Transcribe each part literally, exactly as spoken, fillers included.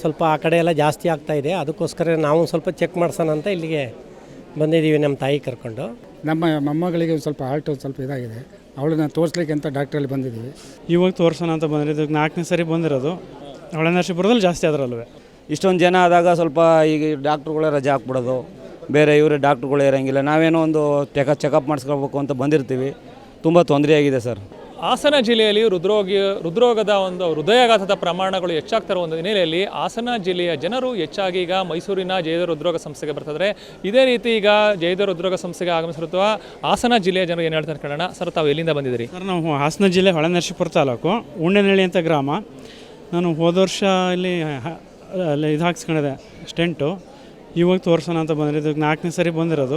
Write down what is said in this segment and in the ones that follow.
ಸ್ವಲ್ಪ ಆ ಕಡೆ ಎಲ್ಲ ಜಾಸ್ತಿ ಆಗ್ತಾ ಇದೆ, ಅದಕ್ಕೋಸ್ಕರ ನಾವು ಸ್ವಲ್ಪ ಚೆಕ್ ಮಾಡ್ಸೋಣ ಅಂತ ಇಲ್ಲಿಗೆ ಬಂದಿದ್ದೀವಿ ನಮ್ಮ ತಾಯಿ ಕರ್ಕೊಂಡು. ನಮ್ಮ ಮೊಮ್ಮಗಳಿಗೆ ಸ್ವಲ್ಪ ಹಾರ್ಟ್ ಸ್ವಲ್ಪ ಇದಾಗಿದೆ, ಅವಳನ್ನ ತೋರಿಸ್ಲಿಕ್ಕೆ ಅಂತ ಡಾಕ್ಟ್ರಲ್ಲಿ ಬಂದಿದ್ದೀವಿ. ಇವಾಗ ತೋರಿಸೋಣ ಅಂತ ಬಂದಿರೋದು ನಾಲ್ಕನೇ ಸರಿ ಬಂದಿರೋದು. ಹೊಳೆನರಸೀಪುರದಲ್ಲಿ ಜಾಸ್ತಿ ಅದರಲ್ವೇ ಇಷ್ಟೊಂದು ಜನ ಆದಾಗ ಸ್ವಲ್ಪ ಈಗ ಡಾಕ್ಟ್ರುಗಳೇ ರಜೆ ಹಾಕ್ಬಿಡೋದು, ಬೇರೆ ಇವರೇ ಡಾಕ್ಟ್ರುಗಳೇ ಇರೋಂಗಿಲ್ಲ. ನಾವೇನೋ ಒಂದು ಚೆಕ ಚೆಕಪ್ ಮಾಡಿಸ್ಕೋಬೇಕು ಅಂತ ಬಂದಿರ್ತೀವಿ. ತುಂಬ ತೊಂದರೆಯಾಗಿದೆ ಸರ್. ಹಾಸನ ಜಿಲ್ಲೆಯಲ್ಲಿ ಹೃದ್ರೋಗಿ ಹೃದ್ರೋಗದ ಒಂದು ಹೃದಯಾಘಾತದ ಪ್ರಮಾಣಗಳು ಹೆಚ್ಚಾಗ್ತಿರೋ ಒಂದು ಹಿನ್ನೆಲೆಯಲ್ಲಿ ಹಾಸನ ಜಿಲ್ಲೆಯ ಜನರು ಹೆಚ್ಚಾಗಿ ಈಗ ಮೈಸೂರಿನ ಜಯದೇವ ಹೃದ್ರೋಗ ಸಂಸ್ಥೆಗೆ ಬರ್ತಿದ್ದಾರೆ. ಇದೇ ರೀತಿ ಈಗ ಜಯದೇವ ಹೃದ್ರೋಗ ಸಂಸ್ಥೆಗೆ ಆಗಮಿಸಿರುವ ಹಾಸನ ಜಿಲ್ಲೆಯ ಜನರು ಏನು ಹೇಳ್ತಾರೆ ಕೇಳೋಣ. ಸರ್, ತಾವು ಎಲ್ಲಿಂದ ಬಂದಿದ್ದೀರಿ? ಸರ್, ನಾವು ಹಾಸನ ಜಿಲ್ಲೆ ಹೊಳೆನರಸೀಪುರ ತಾಲೂಕು ಉಣ್ಣೆನಳ್ಳಿ ಅಂತ ಗ್ರಾಮ. ನಾನು ಹೋದ ವರ್ಷ ಇಲ್ಲಿ ಅಲ್ಲಿ ಇದು ಹಾಕ್ಸ್ಕೊಂಡಿದೆ ಸ್ಟೆಂಟು. ಇವಾಗ ತೋರಿಸೋಣ ಅಂತ ಬಂದಿರೋದು ನಾಲ್ಕನೇ ಸರಿ ಬಂದಿರೋದು.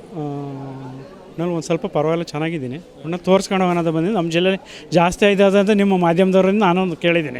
ನಾನು ಒಂದು ಸ್ವಲ್ಪ ಪರವಾಗಿಲ್ಲ ಚೆನ್ನಾಗಿದ್ದೀನಿ. ಒಟ್ಟು ತೋರಿಸ್ಕೊಂಡು ಹೋಗೋಣ ಅಂತ ಬಂದಿದ್ದು. ನಮ್ಮ ಜಿಲ್ಲೆಯಲ್ಲಿ ಜಾಸ್ತಿ ಆಗಿದೆ ಅಂತ ನಿಮ್ಮ ಮಾಧ್ಯಮದವರಿಂದ ನಾನೊಂದು ಕೇಳಿದ್ದೀನಿ.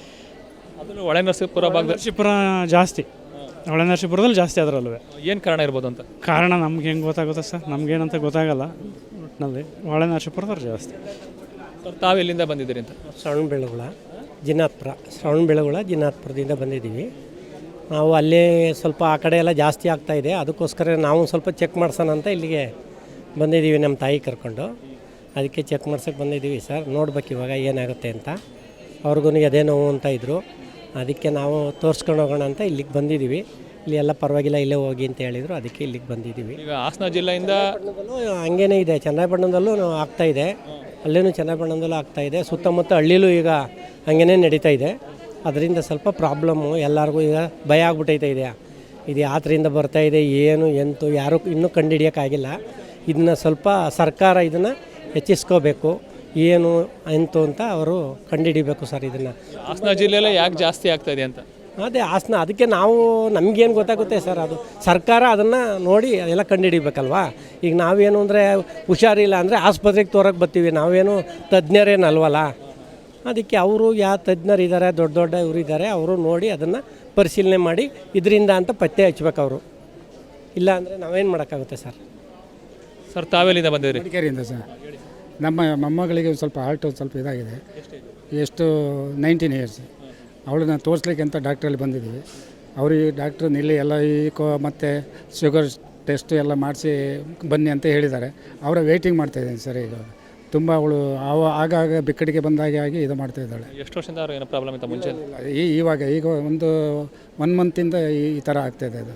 ಅದನ್ನು ಹೊಳೆನರಸೀಪುರ ಭಾಗ ನರಸೀಪುರ ಜಾಸ್ತಿ, ಹೊಳೆನರಸೀಪುರದಲ್ಲಿ ಜಾಸ್ತಿ ಅದರಲ್ವೇ. ಏನು ಕಾರಣ ಇರ್ಬೋದು ಅಂತ? ಕಾರಣ ನಮ್ಗೆ ಹೆಂಗೆ ಗೊತ್ತಾಗುತ್ತೆ ಸರ್, ನಮಗೇನಂತ ಗೊತ್ತಾಗಲ್ಲ. ಒಟ್ಟಿನಲ್ಲಿ ಹೊಳೆನರಸೀಪುರದವ್ರು ಜಾಸ್ತಿ. ಸರ್, ತಾವು ಎಲ್ಲಿಂದ ಬಂದಿದ್ದೀರಿ ಅಂತ? ಶ್ರವಣ ಬೆಳಗುಳ ಜಿನಾತ್ಪುರ ಶ್ರವಣ ಬೆಳಗುಳ ಜಿನಾತ್ಪುರದಿಂದ ಬಂದಿದ್ದೀವಿ. ನಾವು ಅಲ್ಲೇ ಸ್ವಲ್ಪ ಆ ಕಡೆ ಎಲ್ಲ ಜಾಸ್ತಿ ಆಗ್ತಾ ಇದೆ, ಅದಕ್ಕೋಸ್ಕರ ನಾವು ಸ್ವಲ್ಪ ಚೆಕ್ ಮಾಡ್ಸೋಣ ಅಂತ ಇಲ್ಲಿಗೆ ಬಂದಿದ್ದೀವಿ ನಮ್ಮ ತಾಯಿ ಕರ್ಕೊಂಡು. ಅದಕ್ಕೆ ಚೆಕ್ ಮಾಡ್ಸೋಕ್ಕೆ ಬಂದಿದ್ದೀವಿ ಸರ್. ನೋಡ್ಬೇಕು ಇವಾಗ ಏನಾಗುತ್ತೆ ಅಂತ. ಅವ್ರಿಗೂ ಎದೆ ನೋವು ಅಂತ ಇದ್ದರು, ಅದಕ್ಕೆ ನಾವು ತೋರಿಸ್ಕೊಂಡು ಹೋಗೋಣ ಅಂತ ಇಲ್ಲಿಗೆ ಬಂದಿದ್ದೀವಿ. ಇಲ್ಲಿ ಎಲ್ಲ ಪರವಾಗಿಲ್ಲ, ಇಲ್ಲೇ ಹೋಗಿ ಅಂತ ಹೇಳಿದರು, ಅದಕ್ಕೆ ಇಲ್ಲಿಗೆ ಬಂದಿದ್ದೀವಿ. ಈಗ ಹಾಸನ ಜಿಲ್ಲೆಯಿಂದ ಹಂಗೇನೇ ಇದೆ, ಚನ್ನರಾಯಪಟ್ಟಣದಲ್ಲೂ ಆಗ್ತಾಯಿದೆ, ಅಲ್ಲೇನೂ ಚನ್ನರಾಯಪಟ್ಟಣದಲ್ಲೂ ಆಗ್ತಾಯಿದೆ, ಸುತ್ತಮುತ್ತ ಹಳ್ಳಿಲೂ ಈಗ ಹಂಗೇ ನಡೀತಾ ಇದೆ. ಅದರಿಂದ ಸ್ವಲ್ಪ ಪ್ರಾಬ್ಲಮ್ಮು ಎಲ್ಲರಿಗೂ ಈಗ ಭಯ ಆಗ್ಬಿಟ್ಟೈತೆ ಇದೆ. ಇದು ಯಾತ್ರೆಯಿಂದ ಬರ್ತಾಯಿದೆ, ಏನು ಎಂತು ಯಾರೂ ಇನ್ನೂ ಕಂಡುಹಿಡಿಯೋಕ್ಕಾಗಿಲ್ಲ. ಇದನ್ನ ಸ್ವಲ್ಪ ಸರ್ಕಾರ ಇದನ್ನು ಹೆಚ್ಚಿಸ್ಕೋಬೇಕು, ಏನು ಎಂತು ಅಂತ ಅವರು ಕಂಡುಹಿಡಿಬೇಕು ಸರ್. ಇದನ್ನು ಹಾಸನ ಜಿಲ್ಲೆಯಲ್ಲೇ ಯಾಕೆ ಜಾಸ್ತಿ ಆಗ್ತಾ ಇದೆ ಅಂತ ಅದೇ ಹಾಸನ, ಅದಕ್ಕೆ ನಾವು ನಮಗೇನು ಗೊತ್ತಾಗುತ್ತೆ ಸರ್, ಅದು ಸರ್ಕಾರ ಅದನ್ನು ನೋಡಿ ಎಲ್ಲ ಕಂಡುಹಿಡಿಬೇಕಲ್ವಾ. ಈಗ ನಾವೇನು ಅಂದರೆ ಹುಷಾರಿಲ್ಲ ಅಂದರೆ ಆಸ್ಪತ್ರೆಗೆ ತೋರಕ್ಕೆ ಬರ್ತೀವಿ, ನಾವೇನು ತಜ್ಞರೇನಲ್ವಲ್ಲ. ಅದಕ್ಕೆ ಅವರು ಯಾವ ತಜ್ಞರು ಇದ್ದಾರೆ, ದೊಡ್ಡ ದೊಡ್ಡ ಇವರು ಇದ್ದಾರೆ, ಅವರು ನೋಡಿ ಅದನ್ನು ಪರಿಶೀಲನೆ ಮಾಡಿ ಇದರಿಂದ ಅಂತ ಪತ್ತೆ ಹಚ್ಬೇಕು ಅವರು. ಇಲ್ಲ ಅಂದರೆ ನಾವೇನು ಮಾಡೋಕ್ಕಾಗುತ್ತೆ ಸರ್. ಸರ್, ತಾವೆಲ್ಲಿಂದ ಬಂದಿದ್ದೀರಿ? ಮಡಿಕೇರಿಯಿಂದ ಸರ್. ನಮ್ಮ ಮೊಮ್ಮಗಳಿಗೆ ಸ್ವಲ್ಪ ಹಾರ್ಟ್ ಸ್ವಲ್ಪ ಇದಾಗಿದೆ, ಎಷ್ಟು ನೈನ್ಟೀನ್ ಇಯರ್ಸ್. ಅವಳನ್ನ ತೋರಿಸ್ಲಿಕ್ಕೆ ಅಂತ ಡಾಕ್ಟ್ರಲ್ಲಿ ಬಂದಿದ್ದೀವಿ. ಅವ್ರಿಗೆ ಡಾಕ್ಟ್ರು ನಿಲ್ಲಿ ಎಲ್ಲ ಈ ಕೋ ಮತ್ತು ಶುಗರ್ ಟೆಸ್ಟ್ ಎಲ್ಲ ಮಾಡಿಸಿ ಬನ್ನಿ ಅಂತ ಹೇಳಿದ್ದಾರೆ. ಅವರ ವೆಯ್ಟಿಂಗ್ ಮಾಡ್ತಾಯಿದ್ದೀನಿ ಸರ್. ಈಗ ತುಂಬ ಅವಳು ಅವ ಆಗಾಗ ಬಿಕ್ಕಡಿಗೆ ಬಂದಾಗೆ ಆಗಿ ಇದು ಮಾಡ್ತಾಯಿದ್ದಾಳೆ. ಎಷ್ಟು ವರ್ಷದಿಂದ ಅವ್ರು ಏನೋ ಪ್ರಾಬ್ಲಮ್ ಇತ್ತು ಮುಂಚೆ? ಈ ಇವಾಗ ಈಗ ಒಂದು ಒನ್ ಮಂತಿಂದ ಈ ಈ ಥರ ಆಗ್ತಾಯಿದೆ. ಅದು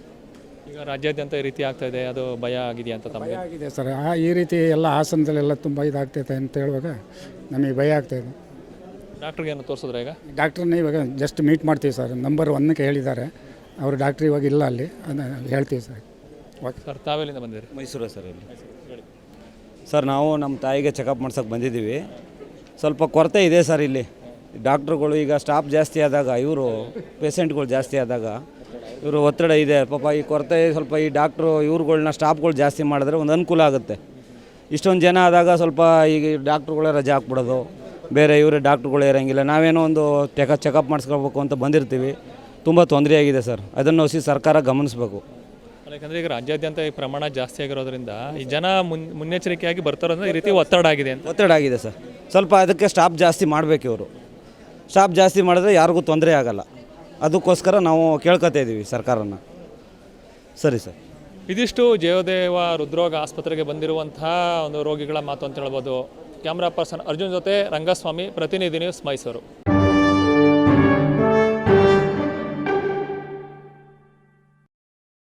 ಈಗ ರಾಜ್ಯಾದ್ಯಂತ ಈ ರೀತಿ ಆಗ್ತಾ ಇದೆ, ಅದು ಭಯ ಆಗಿದೆಯಾ ಅಂತ ತಮಗೆ? ಆಗಿದೆ ಸರ್. ಆ ಈ ರೀತಿ ಎಲ್ಲ ಹಾಸನದಲ್ಲೆಲ್ಲ ತುಂಬ ಇದಾಗ್ತೈತೆ ಅಂತ ಹೇಳುವಾಗ ನಮಗೆ ಭಯ ಆಗ್ತಾಯಿದೆ. ಡಾಕ್ಟ್ರಿಗೆ ಏನು ತೋರಿಸಿದ್ರೆ? ಈಗ ಡಾಕ್ಟ್ರನ್ನ ಇವಾಗ ಜಸ್ಟ್ ಮೀಟ್ ಮಾಡ್ತೀವಿ ಸರ್. ನಂಬರ್ ಒನ್ನಕ್ಕೆ ಹೇಳಿದ್ದಾರೆ ಅವರು. ಡಾಕ್ಟ್ರ್ ಇವಾಗ ಇಲ್ಲ ಅಲ್ಲಿ, ಅದನ್ನು ಹೇಳ್ತೀವಿ ಸರ್. ಓಕೆ ಸರ್, ತಾವೆಲ್ಲಿಂದ ಬಂದಿರಿ? ಮೈಸೂರು ಸರ್. ಇಲ್ಲಿ ಸರ್, ನಾವು ನಮ್ಮ ತಾಯಿಗೆ ಚೆಕಪ್ ಮಾಡ್ಸೋಕೆ ಬಂದಿದ್ದೀವಿ. ಸ್ವಲ್ಪ ಕೊರತೆ ಇದೆ ಸರ್ ಇಲ್ಲಿ. ಡಾಕ್ಟ್ರುಗಳು ಈಗ ಸ್ಟಾಫ್ ಜಾಸ್ತಿ ಆದಾಗ, ಇವರು ಪೇಷೆಂಟ್ಗಳು ಜಾಸ್ತಿ ಆದಾಗ ಇವರು ಒತ್ತಡ ಇದೆ ಪಾಪ. ಈ ಕೊರತೆ ಸ್ವಲ್ಪ ಈ ಡಾಕ್ಟ್ರು ಇವ್ರುಗಳ್ನ ಸ್ಟಾಫ್ಗಳು ಜಾಸ್ತಿ ಮಾಡಿದ್ರೆ ಒಂದು ಅನುಕೂಲ ಆಗುತ್ತೆ. ಇಷ್ಟೊಂದು ಜನ ಆದಾಗ ಸ್ವಲ್ಪ ಈಗ ಡಾಕ್ಟ್ರುಗಳೇ ರಜೆ ಹಾಕ್ಬಿಡೋದು, ಬೇರೆ ಇವರೇ ಡಾಕ್ಟ್ರುಗಳೇ ಇರೋಂಗಿಲ್ಲ. ನಾವೇನೋ ಒಂದು ಚೆಕ ಚೆಕಪ್ ಮಾಡಿಸ್ಕೋಬೇಕು ಅಂತ ಬಂದಿರ್ತೀವಿ. ತುಂಬ ತೊಂದರೆಯಾಗಿದೆ ಸರ್. ಅದನ್ನು ಹೊಸಿ ಸರ್ಕಾರ ಗಮನಿಸಬೇಕು. ಯಾಕಂದರೆ ಈಗ ರಾಜ್ಯಾದ್ಯಂತ ಈ ಪ್ರಮಾಣ ಜಾಸ್ತಿ ಆಗಿರೋದ್ರಿಂದ ಈ ಜನ ಮುನ್ ಮುನ್ನೆಚ್ಚರಿಕೆಯಾಗಿ ಬರ್ತಾರೋದ್ರೆ ಈ ರೀತಿ ಒತ್ತಡ ಆಗಿದೆ ಅಂತ. ಒತ್ತಡ ಆಗಿದೆ ಸರ್. ಸ್ವಲ್ಪ ಅದಕ್ಕೆ ಸ್ಟಾಫ್ ಜಾಸ್ತಿ ಮಾಡಬೇಕು ಇವರು. ಸ್ಟಾಫ್ ಜಾಸ್ತಿ ಮಾಡಿದ್ರೆ ಯಾರಿಗೂ ತೊಂದರೆ ಆಗಲ್ಲ. ಅದಕ್ಕೋಸ್ಕರ ನಾವು ಕೇಳ್ಕೊತಾ ಇದ್ದೀವಿ ಸರ್ಕಾರನ. ಸರಿ ಸರ್. ಇದಿಷ್ಟು ಜಯದೇವ ಹೃದ್ರೋಗ ಆಸ್ಪತ್ರೆಗೆ ಬಂದಿರುವಂತಹ ಒಂದು ರೋಗಿಗಳ ಮಾತು ಅಂತ ಹೇಳ್ಬೋದು. ಕ್ಯಾಮ್ರಾ ಪರ್ಸನ್ ಅರ್ಜುನ್ ಜೊತೆ ರಂಗಸ್ವಾಮಿ, ಪ್ರತಿನಿಧಿ ನ್ಯೂಸ್, ಮೈಸೂರು.